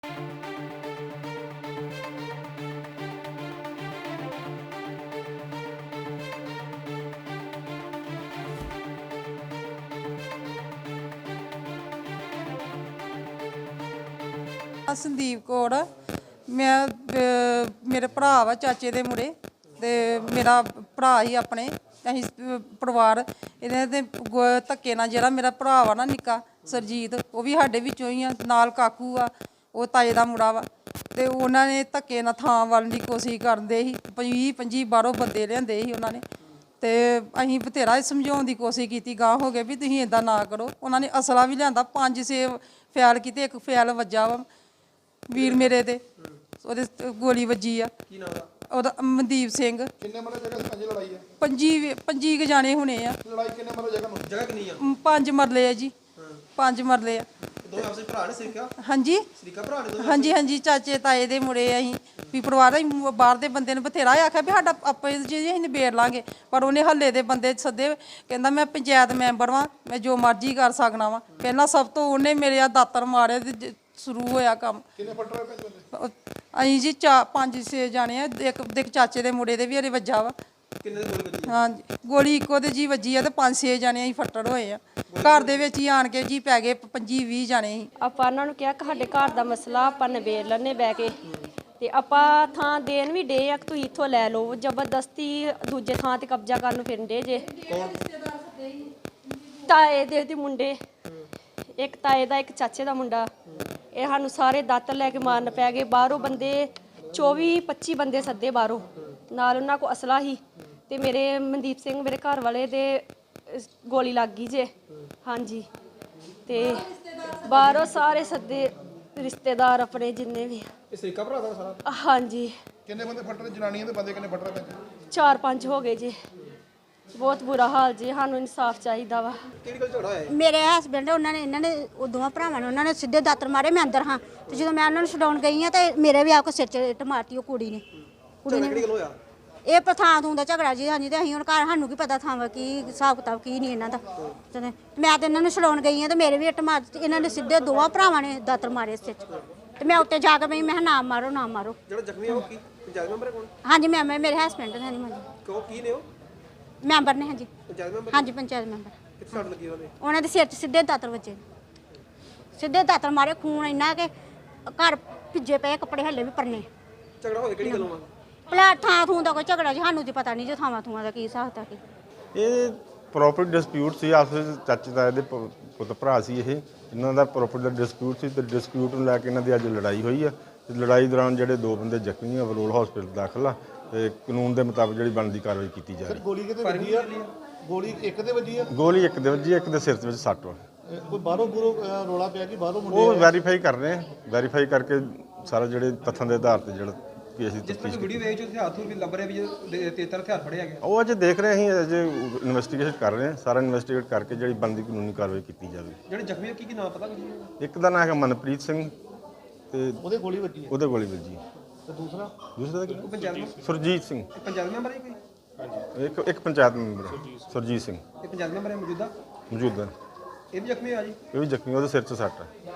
ਸੰਦੀਪ ਕੌਰ ਮੈਂ ਮੇਰੇ ਭਰਾ ਵਾ ਚਾਚੇ ਦੇ ਮੁੰਡੇ ਤੇ ਮੇਰਾ ਭਰਾ ਹੀ ਆਪਣੇ ਅਸੀਂ ਪਰਿਵਾਰ ਇਹਨਾਂ ਦੇ ਧੱਕੇ ਨਾਲ ਜਿਹੜਾ ਮੇਰਾ ਭਰਾ ਵਾ ਨਾ ਨਿੱਕਾ ਸਰਜੀਤ ਉਹ ਵੀ ਸਾਡੇ ਵਿੱਚੋਂ ਹੀ ਆ ਨਾਲ ਕਾਕੂ ਆ ਉਹ ਤਾਏ ਦਾ ਮੁੰਡਾ ਵਾ ਤੇ ਉਹਨਾਂ ਨੇ ਧੱਕੇ ਨਾਲ ਥਾਂ ਵੱਲ ਦੀ ਕੋਸ਼ਿਸ਼ ਕਰਦੇ ਸੀ 20-25 ਬਾਹਰੋਂ ਬੰਦੇ ਲਿਆਂਦੇ ਸੀ ਉਹਨਾਂ ਨੇ ਤੇ ਅਸੀਂ ਬਥੇਰਾ ਸਮਝਾਉਣ ਦੀ ਕੋਸ਼ਿਸ਼ ਕੀਤੀ ਗਾਂ ਹੋ ਗਏ ਵੀ ਤੁਸੀਂ ਇਦਾਂ ਨਾ ਕਰੋ। ਉਹਨਾਂ ਨੇ ਅਸਲਾ ਵੀ ਲਿਆਂਦਾ 5-6 ਫੈਲ ਕੀਤੇ ਇੱਕ ਫੈਲ ਵੱਜਾ ਵਾ ਵੀਰ ਮੇਰੇ ਤੇ ਉਹਦੇ ਗੋਲੀ ਵੱਜੀ ਆ। ਕੀ ਨਾਮ ਦਾ ਉਹਦਾ ਮਨਦੀਪ ਸਿੰਘ। ਕਿੰਨੇ ਮਰਲੇ ਜਗ੍ਹਾ ਸਾਂਝੀ ਲੜਾਈ ਹੈ? 25 ਕੁ ਜਾਣੇ ਹੋਣੇ ਆ। ਲੜਾਈ ਕਿੰਨੇ ਮਰਲੇ ਜਗ੍ਹਾ ਨੂੰ? ਜਗ੍ਹਾ ਕਿੰਨੀ ਆ? 5 ਮਰਲੇ ਆ ਜੀ। 5 ਮਰਲੇ ਆ। ਦੋਵੇਂ ਆਪਸੇ ਭਰਾ ਨੇ ਸਿੱਖਿਆ? ਹਾਂਜੀ ਸਰੀਕਾ ਭਰਾ ਨੇ ਦੋਵੇਂ? ਹਾਂਜੀ ਹਾਂਜੀ ਚਾਚੇ ਤਾਏ ਦੇ ਮੁੰਡੇ ਅਸੀਂ ਵੀ ਪਰਿਵਾਰ ਅਸੀਂ ਬਾਹਰ ਦੇ ਬੰਦੇ ਨੇ ਬਥੇਰਾ ਆਖਿਆ ਵੀ ਸਾਡਾ ਆਪੇ ਜੀ ਅਸੀਂ ਨਿਬੇੜ ਲਾਂਗੇ ਪਰ ਉਹਨੇ ਹੱਲੇ ਦੇ ਬੰਦੇ ਸੱਦੇ ਕਹਿੰਦਾ ਮੈਂ ਪੰਚਾਇਤ ਮੈਂਬਰ ਵਾਂ ਮੈਂ ਜੋ ਮਰਜ਼ੀ ਕਰ ਸਕਣਾ ਵਾਂ। ਪਹਿਲਾਂ ਸਭ ਤੋਂ ਉਹਨੇ ਮੇਰੇ ਆ ਦਾਤਰ ਮਾਰੇ ਤੇ ਸ਼ੁਰੂ ਹੋਇਆ ਕੰਮ। ਕਿੰਨੇ ਫੱਟ ਰਹੇ ਪੈਂਦੇ? ਅਸੀਂ ਜੀ 5-6 ਜਾਣੇ ਆ। ਇੱਕ ਚਾਚੇ ਦੇ ਮੁੰਡੇ ਦੇ ਵੀ ਹਰੇ ਵੱਜਾ ਵਾ। ਕਿੰਨੇ ਗੋਲੀ ਵੱਜੀ? ਹਾਂਜੀ ਗੋਲੀ ਇੱਕੋ ਤੇ ਜੀ ਵੱਜੀ ਆ ਤੇ 5-6 ਜਾਣੇ ਅਸੀਂ ਫੱਟੜ ਹੋਏ ਆ। ਘਰ ਦੇ ਵਿੱਚ ਹੀ ਆਣ ਕੇ ਜੀ ਪੈ ਗਏ 25-20 ਜਾਣੇ ਸੀ। ਆਪਾਂ ਉਹਨਾਂ ਨੂੰ ਕਿਹਾ ਕਿ ਸਾਡੇ ਘਰ ਦਾ ਮਸਲਾ ਆਪਾਂ ਨਿਬੇੜ ਲੈਣੇ ਬਹਿ ਕੇ ਤੇ ਆਪਾਂ ਥਾਂ ਦੇਣ ਵੀ ਡੇ ਆ ਕਿ ਤੁਸੀਂ ਇੱਥੋਂ ਲੈ ਲਓ। ਜ਼ਬਰਦਸਤੀ ਦੂਜੇ ਥਾਂ ਤੇ ਕਬਜ਼ਾ ਕਰਨ ਨੂੰ ਫਿਰਦੇ ਜੇ। ਤਾਏ ਦੇ ਮੁੰਡੇ, ਇੱਕ ਤਾਏ ਦਾ ਇੱਕ ਚਾਚੇ ਦਾ ਮੁੰਡਾ, ਇਹ ਸਾਨੂੰ ਸਾਰੇ ਦਾਤਰ ਲੈ ਕੇ ਮਾਰਨ ਪੈ ਗਏ। ਬਾਹਰੋਂ ਬੰਦੇ 24-25 ਬੰਦੇ ਸੱਦੇ ਬਾਹਰੋਂ, ਨਾਲ ਉਹਨਾਂ ਕੋਲ ਅਸਲਾ ਹੀ ਤੇ ਮੇਰੇ ਮਨਦੀਪ ਸਿੰਘ ਮੇਰੇ ਘਰ ਵਾਲੇ ਦੇ ਗੋਲੀ ਲੱਗ ਗਈ ਜੇ। ਹਾਂਜੀ ਤੇ ਬਾਹਰੋਂ ਸਾਰੇ ਸੱਦੇ ਰਿਸ਼ਤੇਦਾਰ ਆਪਣੇ ਜਿੰਨੇ ਵੀ। ਇਹ ਸਰੀਕਾ ਭਰਾ ਦਾ ਸਾਰਾ? ਹਾਂਜੀ। ਕਿੰਨੇ ਬੰਦੇ ਫੱਟ ਰਹੇ? ਜਨਾਨੀਆਂ ਦੇ ਬੰਦੇ ਕਿੰਨੇ ਫੱਟ ਰਹੇ ਪੈਂਦੇ? 4-5 ਹੋ ਗਏ ਜੀ। ਬਹੁਤ ਬੁਰਾ ਹਾਲ ਜੀ। ਸਾਨੂੰ ਇਨਸਾਫ ਚਾਹੀਦਾ ਵਾ। ਕਿਹੜੀ ਗੱਲ ਝਗੜਾ ਹੋਇਆ? ਮੇਰੇ ਹਸਬੰਡ ਇਹਨਾਂ ਨੇ ਉਹ ਦੋਵਾਂ ਭਰਾਵਾਂ ਨੇ ਉਹਨਾਂ ਨੇ ਸਿੱਧੇ ਦਾਤਰ ਮਾਰੇ। ਮੈਂ ਅੰਦਰ ਹਾਂ ਤੇ ਜਦੋਂ ਮੈਂ ਉਹਨਾਂ ਨੂੰ ਛਡਾਉਣ ਗਈ ਹਾਂ ਤੇ ਮੇਰੇ ਵੀ ਆ ਕੇ ਸਿਰ 'ਚ ਇੱਟ ਮਾਰਤੀ ਉਹ ਕੁੜੀ ਨੇ। ਕਿਹੜੀ ਗੱਲ ਹੋਇਆ? ਇਹ ਪਥਾਂ ਤੋਂ ਦਾ ਝਗੜਾ ਜੀ। ਹਾਂਜੀ ਤੇ ਅਸੀਂ ਹੁਣ ਘਰ ਸਾਨੂੰ ਕੀ ਪਤਾ ਥਾਂ ਕੀ ਹਿਸਾਬ ਕਿਤਾਬ ਕੀ ਨਹੀਂ ਇਹਨਾਂ ਦਾ। ਤੇ ਮੈਂ ਤੇ ਇਹਨਾਂ ਨੂੰ ਛਡਾਉਣ ਗਈ ਹਾਂ ਤੇ ਮੇਰੇ ਵੀ ਇੱਟ ਮਾਰ ਦਿੱਤੀ। ਇਹਨਾਂ ਨੇ ਸਿੱਧੇ ਦੋਵਾਂ ਭਰਾਵਾਂ ਨੇ ਦਾਤਰ ਮਾਰੇ ਸਿਰ 'ਚ ਤੇ ਮੈਂ ਉੱਤੇ ਜਾ ਕੇ ਮੈਂ ਕਿਹਾ ਨਾ ਮਾਰੋ ਨਾ ਮਾਰੋ। ਜਿਹੜਾ ਜ਼ਖਮੀ ਆ ਉਹ ਕੀ ਪੰਚਾਇਤ ਮੈਂਬਰ ਹੈ? ਕੌਣ? ਹਾਂਜੀ ਮੈਂ ਮੇਰੇ ਹਸਬੰਡ ਨੇ। ਹਾਂਜੀ ਕਿਉਂ ਕੀ ਨੇ ਉਹ? ਮੈਂਬਰ ਨੇ। ਹਾਂਜੀ ਪੰਚਾਇਤ ਮੈਂਬਰ? ਹਾਂਜੀ ਪੰਚਾਇਤ ਮੈਂਬਰ। ਕਿੱਥੇ ਸੱਟ ਲੱਗੀ ਉਹਦੇ? ਉਹਨਾਂ ਦੇ ਸਿਰ 'ਚ ਸਿੱਧੇ ਦਾਤਰ ਵੱਜੇ। ਸਿੱਧੇ ਦਾਤਰ ਮਾਰੇ। ਖੂਨ ਇੰਨਾ ਕਿ ਘਰ ਭਿੱਜੇ ਪਏ ਕੱਪੜੇ ਹੱਲੇ ਵੀ ਪਰਨੇ। ਝਗੜਾ ਹੋਇਆ ਕਿਹੜੀ ਗੱਲੋਂ ਆ? ਭਲਾ ਥਾਂ ਥੂੰ ਦਾ ਕੋਈ ਝਗੜਾ ਜੀ ਸਾਨੂੰ ਤੇ ਪਤਾ ਨਹੀਂ ਜੋ ਥਾਵਾਂ ਥੂਆਂ ਦਾ ਕੀ ਹਿਸਾਬ ਤਾ ਕੀ। ਇਹ ਪ੍ਰੋਪਰਟੀ ਡਿਸਪਿਊਟ ਸੀ ਆਪਸ ਵਿੱਚ। ਚਾਚੇ ਤਾਏ ਦੇ ਪੁੱਤ ਭਰਾ ਸੀ ਇਹ। ਇਹਨਾਂ ਦਾ ਪ੍ਰੋਪਰਟੀ ਦਾ ਡਿਸਪਿਊਟ ਸੀ ਤੇ ਡਿਸਪਿਊਟ ਨੂੰ ਲੈ ਕੇ ਇਹਨਾਂ ਦੀ ਅੱਜ ਲੜਾਈ ਹੋਈ ਆ ਤੇ ਲੜਾਈ ਦੌਰਾਨ ਜਿਹੜੇ 2 ਬੰਦੇ ਜ਼ਖਮੀ ਆ ਬਰੋਲ ਹਸਪੀਟਲ ਦਾਖਲ ਆ ਤੇ ਕਾਨੂੰਨ ਦੇ ਮੁਤਾਬਕ ਜਿਹੜੀ ਬਣਦੀ ਕਾਰਵਾਈ ਕੀਤੀ ਜਾ ਰਹੀ। ਗੋਲੀ ਕਿਤੇ ਵੱਜੀ ਆ? ਗੋਲੀ ਇੱਕ ਤੇ ਵੱਜੀ ਆ? ਗੋਲੀ ਇੱਕ ਦੇ ਵੱਜੀ, ਇੱਕ ਦੇ ਸਿਰ ਦੇ ਵਿੱਚ ਸੱਟ ਵਾ। ਕੋਈ ਬਾਹਰੋਂ ਰੋਲਾ ਪਿਆ ਕਿ ਬਾਹਰੋਂ ਮੁੰਡੇ? ਉਹ ਵੈਰੀਫਾਈ ਕਰ ਰਹੇ ਆ। ਵੈਰੀਫਾਈ ਕਰਕੇ ਸਾਰਾ ਜਿਹੜੇ ਤੱਥਾਂ ਦੇ ਆਧਾਰ ਤੇ ਜਿਹੜਾ ਕੇਸ ਦੀ ਤਫਤੀਸ਼ ਵੀਡੀਓ ਵੇਚ ਉੱਥੇ ਹੱਥ ਵੀ ਲੱਭ ਰਿਹਾ ਵੀ ਤੇਤਰ ਹਥਿਆਰ ਫੜਿਆ ਗਿਆ। ਉਹ ਅਜੇ ਦੇਖ ਰਹੇ ਅਸੀਂ ਅਜੇ ਇਨਵੈਸਟੀਗੇਸ਼ਨ ਕਰ ਰਹੇ ਆ। ਸਾਰਾ ਇਨਵੈਸਟੀਗੇਟ ਕਰਕੇ ਜਿਹੜੀ ਬਣਦੀ ਕਾਨੂੰਨੀ ਕਾਰਵਾਈ ਕੀਤੀ ਜਾਵੇ। ਜਿਹੜੇ ਜ਼ਖਮੀ ਆ ਕੀ ਨਾਮ ਪਤਾ ਕੁਝ? ਇੱਕ ਦਾ ਨਾਮ ਹੈਗਾ ਮਨਪ੍ਰੀਤ ਸਿੰਘ ਤੇ ਉਹਦੇ ਗੋਲੀ ਵੱਜੀ? ਉਹਦੇ ਗੋਲੀ ਵੱਜੀ। ਤੇ ਦੂਸਰਾ ਦੂਸਰਾ ਦਾ ਉਹ ਪੰਚਾਇਤ ਮੈਂਬਰ? ਸੁਰਜੀਤ ਸਿੰਘ। ਪੰਚਾਇਤ ਮੈਂਬਰ ਹੈ ਕੋਈ? ਇੱਕ ਪੰਚਾਇਤ ਮੈਂਬਰ ਸੁਰਜੀਤ ਸਿੰਘ ਇਹ ਪੰਚਾਇਤ ਮੈਂਬਰ ਹੈ ਮੌਜੂਦਾ? ਮੌਜੂਦਾ। ਇਹ ਵੀ ਜ਼ਖਮੀ ਆ ਜੀ? ਇਹ ਵੀ ਜ਼ਖਮੀ, ਉਹਦੇ ਸਿਰ 'ਚ ਸੱਟ ਹੈ।